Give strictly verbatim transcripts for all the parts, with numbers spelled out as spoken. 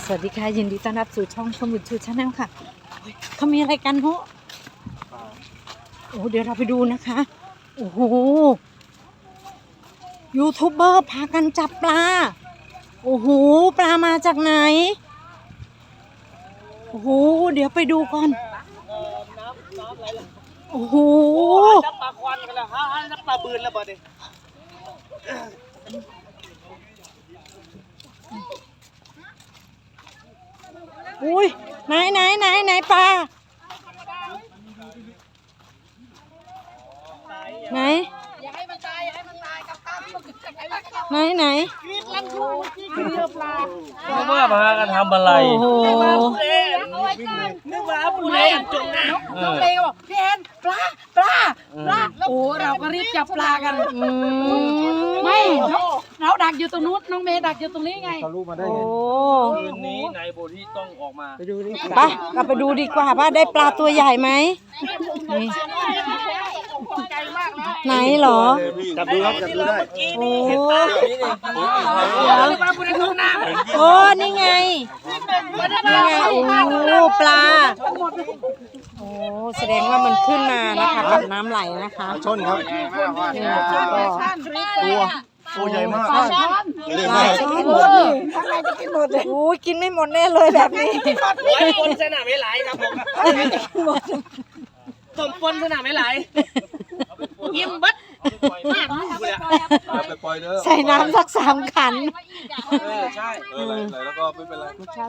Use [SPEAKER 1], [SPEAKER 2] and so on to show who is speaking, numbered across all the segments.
[SPEAKER 1] สวัสดีค่ะยินดีต้อนรับสู่ช่องชมบุญชูชาแนลค่ะเขามีอะไรกันโหโอ้เดี๋ยวเราไปดูนะคะโอ้โหยูทูบเบอร์พากันจับปลาโอ้โหปลามาจากไหนโอ้โหเดี๋ยวไปดูก่อนโอ้โห
[SPEAKER 2] จับปลาควันกันแล้วฮะจับปลาบืนแล้วบ่ดิ
[SPEAKER 1] อุ้ยไหนไหนไหนไหนปลาไหน
[SPEAKER 3] อย่าให้มันตายอย่าให้มันตายกับตาม
[SPEAKER 1] ไหนไหน
[SPEAKER 3] ลังทูเรือปลา
[SPEAKER 2] นึกว่าพากันทำอะไร
[SPEAKER 1] โอ้โห
[SPEAKER 2] นึกว่าผู้เล่นจงนะ
[SPEAKER 3] น้องเลวพี่แอนปลาปลาปลาโอ้เราก็รีบจับปลากันไม่เราดักอยู่ตรงนู้นน้องเมย์ดักอยู่ตรงนี้ไง
[SPEAKER 2] เขารู้มาได้
[SPEAKER 1] โอ้
[SPEAKER 2] ไงคืนนี้นายโบที่ต้องออกมาไปดูดิ
[SPEAKER 1] ไปเราไปดูดีกว่าว่าได้ปลาตัวใหญ่ไหมนี่ไหนเหรอ
[SPEAKER 2] จับดูครับจับดูได้
[SPEAKER 1] โอ้
[SPEAKER 3] ปลาบุรีทุ่งนา
[SPEAKER 1] โอ้นี่ไงนี่ไงโอ้ปลาโอ้แสดงว่ามันขึ้นมานะคะกับน้ำไหลนะคะ
[SPEAKER 2] ชนครับ
[SPEAKER 1] นี่นะคะก็
[SPEAKER 2] ตัวตัวใหญ่มาก
[SPEAKER 1] ปลาช่อนโอ้ยกินไม่หมดแน่เลยแบบนี้
[SPEAKER 2] ไว้ปนสนามไม่ไหลครับผมต้มปนสนามไม่ไหลยิ้มบัด
[SPEAKER 4] ไปปล่อยเด้อ
[SPEAKER 1] ใส่น้ำสักสามขัน
[SPEAKER 2] เออใช่
[SPEAKER 4] เออไหลไหลแล้วก็ไม่เป็นไร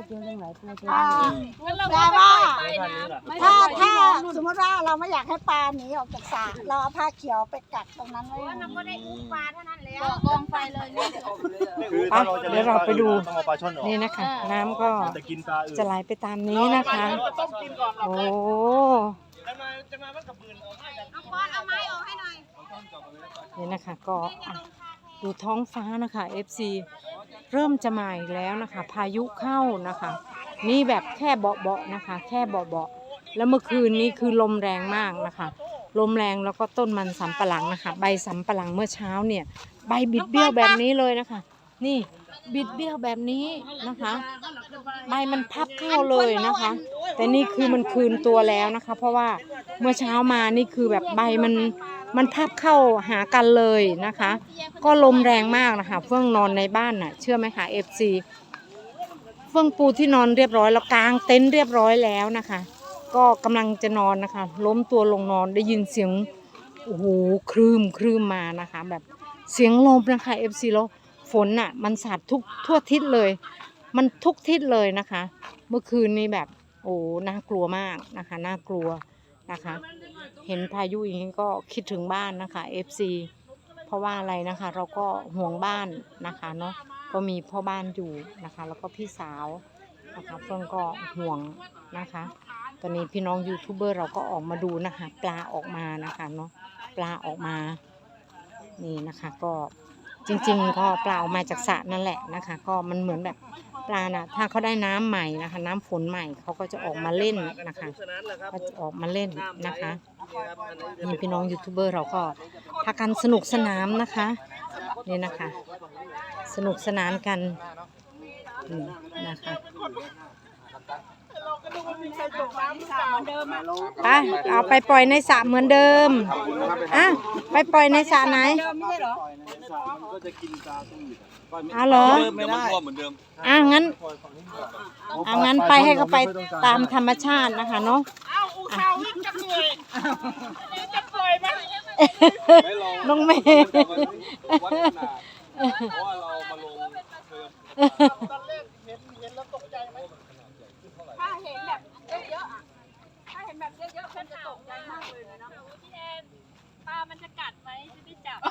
[SPEAKER 5] แต่ว่า
[SPEAKER 2] ถ้า
[SPEAKER 5] ถ้าถ้าสมมติว่าเราไม่อยากให้ปลาหนีออกจากสระเราเอาผ้าเขียวไปกักตรงนั้นไว้
[SPEAKER 3] กองไฟเลยเนี่ย
[SPEAKER 2] คือถ้าเราจะ
[SPEAKER 1] เดี๋ยวเราไปดู
[SPEAKER 2] ต้องเอาปลาช่อนออก
[SPEAKER 1] นี่นะคะ น้ำก็
[SPEAKER 2] จะกินปลาอื่น
[SPEAKER 1] จะไหลไปตามนี้นะคะ
[SPEAKER 2] ต้มกินก่อน
[SPEAKER 1] โอ้
[SPEAKER 2] จะมาจะมามันกับบืน
[SPEAKER 3] เอาไม้ออกให้หน่อย
[SPEAKER 1] นี่นะคะก็อ่ะดูท้องฟ้านะคะ เอฟ ซี เริ่มจะมาอีกแล้วนะคะ พายุเข้านะคะ นี่แบบแค่เบาๆนะคะ แค่เบาๆแล้วเมื่อคืนนี้คือลมแรงมากนะคะ ลมแรงแล้วก็ต้นมันสำปะหลังนะคะ ใบสำปะหลังเมื่อเช้าเนี่ยใบบิดเบี้ยวแบบนี้เลยนะคะ นี่บิดเบี้ยวแบบนี้นะคะ ใบมันพับเข้าเลยนะคะ แต่นี่คือมันคืนตัวแล้วนะคะ เพราะว่าเมื่อเช้ามานี่คือแบบใบมันมันพับเข้าหากันเลยนะคะ ก็ลมแรงมากนะคะเฟื่องนอนในบ้านน่ะเชื่อไหมคะ เอฟ ซี เฟื่องปูที่นอนเรียบร้อยแล้วกางเต็นท์เรียบร้อยแล้วนะคะ ก็กำลังจะนอนนะคะ ล้มตัวลงนอนได้ยินเสียงโอ้โหคลื่นคลื่นมานะคะ แบบเสียงลมนะคะ เอฟ ซี แล้วฝนน่ะมันสาดทุกทั่วทิศเลย มันทุกทิศเลยนะคะ เมื่อคืนนี้แบบโอ้น่ากลัวมากนะคะน่ากลัวนะคะ เห็นพายุอย่างนี้ก็คิดถึงบ้านนะคะ เอฟ ซี เพราะว่าอะไรนะคะ เราก็ห่วงบ้านนะคะเนาะก็มีพ่อบ้านอยู่นะคะ แล้วก็พี่สาวนะคะเพื่อนก็ห่วงนะคะ ตอนนี้พี่น้องยูทูบเบอร์เราก็ออกมาดูนะคะ ปลาออกมานะคะเนาะปลาออกมานี่นะคะก็จริงๆก็ปลาออกมาจากสระนั่นแหละนะคะ ก็มันเหมือนแบบปลาน่ะถ้าเขาได้น้ำใหม่นะคะ น้ำฝนใหม่เขาก็จะออกมาเล่นนะคะก็จะออกมาเล่นนะคะนี่พี่น้องยูทูบเบอร์เราก็พากันสนุกสนานนะคะนี่นะคะ สนุกสนานกันนี่นะคะไปเอาไปปล่อยในสระเหมือนเดิมอ่ะไปปล่อยในสระไหนเอาเหรอ
[SPEAKER 4] ไม่ได้เหมือนเดิม
[SPEAKER 1] อ่ะงั้นอ่ะงั้นไปให้เขาไปตามธรรมชาตินะคะเนาะ
[SPEAKER 3] เอาอูเขาจะเหนื่อยจะปล่อยมัน
[SPEAKER 1] น้องเมย์
[SPEAKER 4] วัดขนาดเพราะว่าเรามาลงเพิ่ม
[SPEAKER 3] ตอนแรกเห็นเห็นแล้วตกใจไหมถ้าเห็นแบบเยอะๆอ่ะถ้าเห็นแบบเยอะๆเป็นจะตกใจมากเลยนะพี่แอนปลามันจะกัดไหมจะได้จับ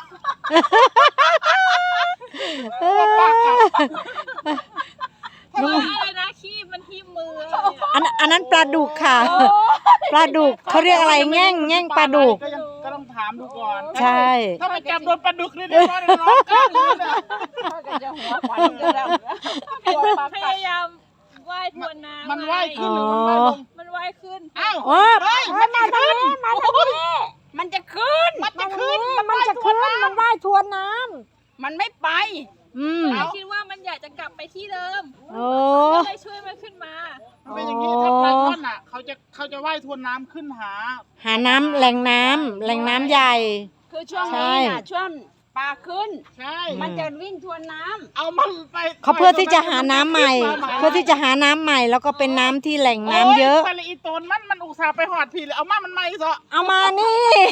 [SPEAKER 3] น้องอะไรนะขี้มันที่มือ
[SPEAKER 1] อันอันนั้นปลาดุกค่ะ ปลาดุกเขาเรียกอะไรแง่งแง่งปลาดุก
[SPEAKER 2] ก็ยังก็ต้องถามดูก่อน
[SPEAKER 1] ใช่
[SPEAKER 2] ถ้าไปจับโดนปลาดุกนี่เดี๋ยวร้อนร้อนกันเลยนะ
[SPEAKER 3] จะหัวขวัญจะดำพยายามว่ายทวนน้ำ
[SPEAKER 2] มันว่ายขึ้
[SPEAKER 1] อ๋
[SPEAKER 2] น
[SPEAKER 1] อ
[SPEAKER 2] หรือมันว่ายลง
[SPEAKER 3] มันว่ายขึ้น
[SPEAKER 2] อ้าว
[SPEAKER 1] โอ้
[SPEAKER 5] มันมาทางนี้มาทางนี้
[SPEAKER 3] มันจะขึ้น
[SPEAKER 2] มันจะขึ้น
[SPEAKER 5] มันจะขึ้นมันว่ายทวนน้
[SPEAKER 3] มันไม่ไป
[SPEAKER 1] อืม
[SPEAKER 3] คิดว่ามันอยากจะกลับไปที่เดิม
[SPEAKER 1] โอ้
[SPEAKER 3] ก็เลยช่วยมันขึ้นมา
[SPEAKER 2] มันเป็นอย่างนี้ถ้าปลาช่อนอ่ะเขาจะเขาจะว่ายทวนน้ำขึ้นหา
[SPEAKER 1] หาน้ำแหล่งน้ำแหล่งน้ำใหญ่
[SPEAKER 5] คือช่วง
[SPEAKER 1] ใช่
[SPEAKER 5] นี้น่ะช่วงปลาขึ้น
[SPEAKER 2] ใช่
[SPEAKER 5] มันจะวิ่งทวนน้ำ
[SPEAKER 2] เอามันไป
[SPEAKER 1] เขาเพื่อที่จะหาน้ำใหม่ เพื่อที่จะหาน้ำใหม่แล้วก็เป็นน้ำที่แหล่งน้ำเยอะ
[SPEAKER 2] โไปละอีโตนมันมันอุตส่าห์ไปหอดผีเลยเอามามันไม่ซะ
[SPEAKER 1] เอามานี่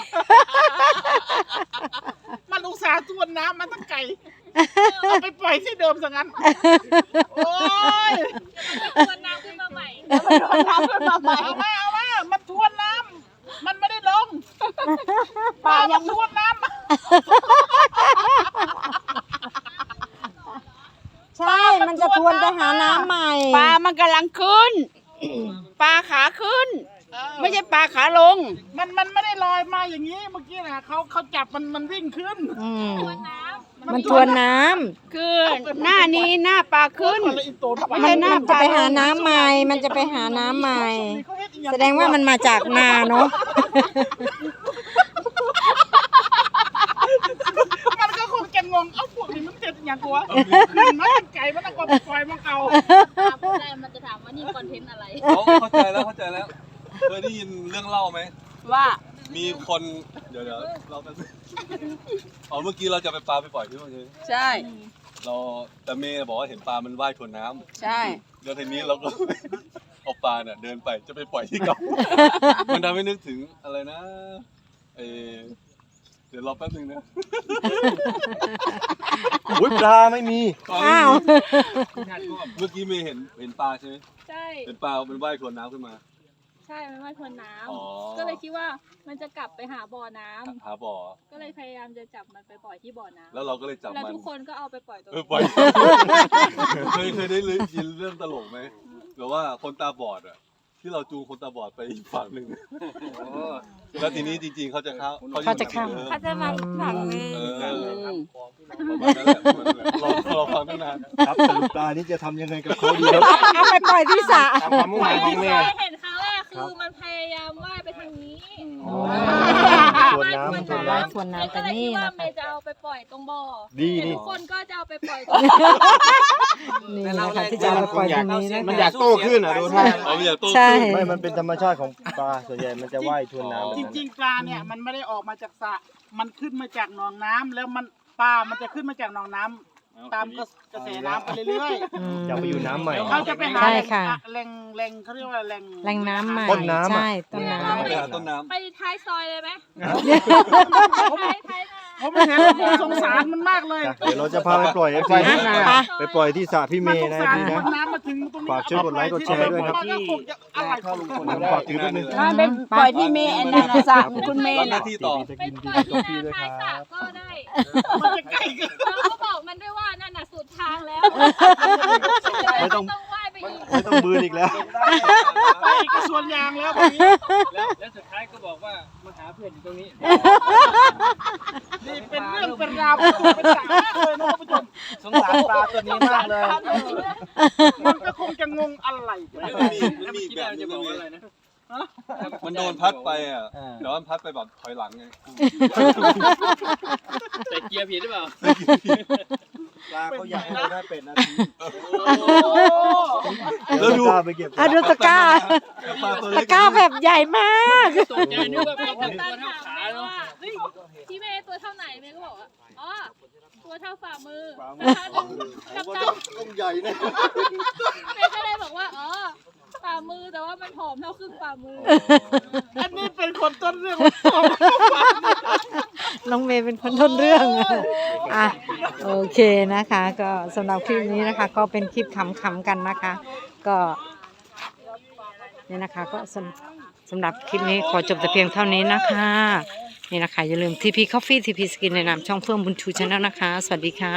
[SPEAKER 2] มันอุตส่าห์ทวนน้ำมันตั้งไก่เอาไปปล่อยที่เดิมซะงั้นโอ้ย
[SPEAKER 3] ทวนน้ำขึ้นมาใหม่
[SPEAKER 5] ทวนน้ำขึ้นมาใหม่
[SPEAKER 2] เอามาเอามามันทวนน้ำมันไม่ได้ลง
[SPEAKER 5] ปลายัง
[SPEAKER 2] ทวนน้ำ
[SPEAKER 1] ใช่ มันจะทวนไปหาน้ำใหม่
[SPEAKER 5] ปลามันกำลังขึ้น ปลาขาขึ้น ไม่ใช่ปลาขาลง
[SPEAKER 2] มันมันไม่ได้ลอยมาอย่างนี้เมื่อกี้นะเขาเขาจับมันมันวิ่งขึ้น
[SPEAKER 1] อืม
[SPEAKER 3] ทวนน้ำ
[SPEAKER 1] มันทวนน้
[SPEAKER 5] คือหน้านี้หน้าปลาขึ้น
[SPEAKER 2] คนละอีโตน
[SPEAKER 1] ำมันมันจะไปหาน้ำใหม่ มันจะไปหาน้ำใหม่ แสดงว่ามันมาจากนาเนาะ
[SPEAKER 2] มันก็คงจะงงเอ้าพวกนี้มันเจ็ดอย่างกัวขึ้นมาตั้งไก่มันต้องกว่าปล่อยมาเก่า
[SPEAKER 3] พูดได้มันจะถามว่านี่คอนเทนต์อะไร
[SPEAKER 4] เขาเข้าใจแล้วเข้าใจแล้วเคยได้ยินเรื่องเล่าไหม
[SPEAKER 5] ว่า
[SPEAKER 4] มีคนเดี๋ยวเดี๋ยวเราไปอ๋อเมื่อกี้เราจะไปปลาไปปล่อยที่เมื่อกี้
[SPEAKER 5] ใช่
[SPEAKER 4] เราแต่เมย์บอกว่าเห็นปลามันว่ายทวนน้ำ
[SPEAKER 5] ใช่
[SPEAKER 4] แล้วทีนี้เราก็ เอาปลาเนี่ยเดินไปจะไปปล่อยที่เก่า มันทำให้นึกถึงอะไรนะเออเดี๋ยวรอแป๊บนึงนะ
[SPEAKER 6] อุ้ยปลาไม่มี
[SPEAKER 1] อ้าว
[SPEAKER 4] เมื่อกี้เมย์เห็นเห็นปลาใช่ไหม
[SPEAKER 3] ใช่
[SPEAKER 4] เห็นปลามันว่ายทวนน้ำขึ้นมา
[SPEAKER 3] ใช่มันว่าทวนน้
[SPEAKER 4] อ๋อ
[SPEAKER 3] ำก็เลยคิดว่ามันจะกลับไปหาบ่อน้ำ
[SPEAKER 4] หาบ่อ
[SPEAKER 3] ก็เลยพยายามจะจับมันไปปล่อยที่บ่อน้ำ
[SPEAKER 4] แล้วเราก็เลยจับ
[SPEAKER 3] แล้ว
[SPEAKER 4] มัน
[SPEAKER 3] ทุกคนก็เอาไปปล่อยตัว
[SPEAKER 4] เออปล่อย เคยเคยได้ยินเรื่องตลกไหมหรือว่าคนตาบอดอ่ะที่เราจูงคนตาบอดไปอีกฝั่งหนึ่งแล้วทีนี้จริงๆเขาจะเข้า
[SPEAKER 1] เขาจะเข้า
[SPEAKER 4] เออ
[SPEAKER 5] เขาจะมาอีกฝั่งหนึง
[SPEAKER 4] เออ
[SPEAKER 5] อืม
[SPEAKER 4] ประมาณนั้นแหละประมาณนั้นแหละเราเราฟังตั้งนาน
[SPEAKER 6] ครับสรุปปลานี้จะทำยังไงกับเขาดีครับ
[SPEAKER 1] เอาไปปล่อยที่สระ
[SPEAKER 6] ตามความมุ่งหมายของแม่
[SPEAKER 3] เห็นครั้งแรกคือมันพยายามว่ายไปทางนี้
[SPEAKER 6] ส่วนน้ำส่วนน้
[SPEAKER 1] ว่ายทวนน้ำไป
[SPEAKER 3] ก็เลย
[SPEAKER 1] นี่
[SPEAKER 3] คิดว่า
[SPEAKER 1] นะ
[SPEAKER 3] เม
[SPEAKER 1] คะ
[SPEAKER 3] ย์จะเอาไปปล่อยตรงบ่อ
[SPEAKER 6] ดี
[SPEAKER 3] แต่
[SPEAKER 6] ดี
[SPEAKER 3] ทุกคนก็จะเอาไปปล่อยตรง
[SPEAKER 1] นี่นะคะที่จะเอาไปปล่อยตรงนี้นะ
[SPEAKER 6] มัน
[SPEAKER 1] คะ
[SPEAKER 6] อยากโตขึ้นอ่ะดูท่า
[SPEAKER 4] เอาอย่าโต้
[SPEAKER 1] ใช่
[SPEAKER 4] ขึ้น
[SPEAKER 6] ไม่มันเป็นธรรมชาติของปลาส่วนใหญ่มันจะว่ายทวนน้ำแบบ
[SPEAKER 2] จ
[SPEAKER 6] นั้น
[SPEAKER 2] ริงๆปลาเนี่ยมันไม่ได้ออกมาจากสระมันขึ้นมาจากหนองน้ำแล้วมันปลามันจะขึ้นมาจากหนองน้ำตามกระแสน้ำไปเรื่อย
[SPEAKER 1] อืม
[SPEAKER 6] อยากไปอยู่น้ำใหม่
[SPEAKER 2] ๆเขาจะไปหา
[SPEAKER 1] ใช่ค่ะ
[SPEAKER 2] แหล่งแหล่งเขาเรียกว่าแหล่ง
[SPEAKER 1] แหล่งน้ำใหม่
[SPEAKER 6] ต้นน้ำอะ
[SPEAKER 1] ใช่ต้นน้
[SPEAKER 4] ไปหาต้นน้ำ
[SPEAKER 3] ไปท้ายซอยเลยไหม
[SPEAKER 2] ผม
[SPEAKER 3] ท้ายท้ายนา
[SPEAKER 2] ผมเห็นแล้วผมสงสารมันมากเลย
[SPEAKER 6] เดี๋ยวเราจะพาไปปล่อยเอฟซี
[SPEAKER 1] ำ
[SPEAKER 6] นะ
[SPEAKER 1] ไป
[SPEAKER 6] ไปปล่อยที่สระพี่เม
[SPEAKER 2] มันส
[SPEAKER 6] ย์
[SPEAKER 2] ง
[SPEAKER 6] นะ
[SPEAKER 2] สาร
[SPEAKER 6] พี่
[SPEAKER 2] ค
[SPEAKER 6] นะ
[SPEAKER 2] นน้ำมาถึงตรงนี้
[SPEAKER 6] ฝากช่วยกดไลค์กดแชร์ด้วยครับ
[SPEAKER 2] มันก็คงจะอะไรของ
[SPEAKER 6] ผมฝากถือด้วยนึง
[SPEAKER 5] ถ้าเป็นปล่อยที่เมย์อันนั้นน่ะสระคุณเม
[SPEAKER 4] รับ
[SPEAKER 5] ย์
[SPEAKER 4] หน้า
[SPEAKER 5] น่ะ
[SPEAKER 4] ที่ต่อ
[SPEAKER 6] จะ
[SPEAKER 3] ไป
[SPEAKER 6] กิน
[SPEAKER 3] ป
[SPEAKER 6] ดี
[SPEAKER 3] ล่อย
[SPEAKER 6] กับ
[SPEAKER 3] ที่
[SPEAKER 6] พี่ด้วย
[SPEAKER 3] นา
[SPEAKER 6] ค
[SPEAKER 3] ท้าย
[SPEAKER 6] รั
[SPEAKER 3] สระ
[SPEAKER 6] บ
[SPEAKER 3] ก็ได้
[SPEAKER 2] มันจะใกล้เกิน
[SPEAKER 3] แล้วก็บอกมันด้วยว่านั่นน่ะสุดทางแล้ว
[SPEAKER 6] ไม่ต้อง
[SPEAKER 3] ต้องว่ายไปอีก
[SPEAKER 6] ไม่ต้องบืนอีกแล้ว
[SPEAKER 2] ไปกระสวนยางแล้วแบบนี้
[SPEAKER 7] แล้วแล้วสุดท้ายก็บอกว่ามาหาเพื่อนอยู่ตรงนี้
[SPEAKER 2] นี่เป็นเรื่องเป็นราวเป็นตัวเป็นสามากเลยนะท่านผู้ชม
[SPEAKER 7] สงสารปลาตัวนี้มากเลย
[SPEAKER 2] มันก็คงจะงงอะไร
[SPEAKER 4] มันมีมันมีอีกแบบนึงนะเมย์มันโดนพัดไปอ่ะเดี๋ยวมันพัดไปแบบถอยหลังไง
[SPEAKER 7] แต่เกียร์ผิดหรือเปล่า
[SPEAKER 6] ปลาเขาอยากให้เราได้เป็ดนาที
[SPEAKER 4] แล้วดู
[SPEAKER 6] ไปเก็บ
[SPEAKER 1] อ่ะดูตะกร้า
[SPEAKER 4] ปลาตัว
[SPEAKER 1] ตะ
[SPEAKER 4] เล็ก
[SPEAKER 1] กร้าแบบใหญ่มาก
[SPEAKER 7] ตกใจนึกว่า
[SPEAKER 3] ไป
[SPEAKER 7] เป็น
[SPEAKER 3] กั
[SPEAKER 7] ตั
[SPEAKER 3] บ
[SPEAKER 7] ว
[SPEAKER 3] ตัน
[SPEAKER 7] เท่า
[SPEAKER 3] ถาม
[SPEAKER 7] ขา
[SPEAKER 3] เมย์
[SPEAKER 7] เนาะ
[SPEAKER 3] ว่าเฮ้ยที่เมย์ตัวเท่าไหนเมย์ก็บอกว่าอ๋อตัวเท่าฝ่ามือกับตัน
[SPEAKER 6] ต้องใหญ่นะ
[SPEAKER 3] เมย์ก็เลยบอกว่าอ๋อฝ่ามือแต่ว่ามันผอมเท่าครึ่งฝ่ามือ
[SPEAKER 2] อันนี้เป็นคนต้นเรื่อง
[SPEAKER 1] น้องเมย์เป็นคนต้นเรื่องอ่ะโอเคนะคะ ก็สำหรับคลิปนี้นะคะ ก็เป็นคลิปขำๆกันนะคะ ก็เนี่ยนะคะก็สำสำหรับคลิปนี้ขอจบแต่เพียงเท่านี้นะคะนี่นะคะอย่าลืม ที พี Coffee ที พี Skin ในนามช่องเฟื่องบุญชูชาแนลนะคะ สวัสดีค่ะ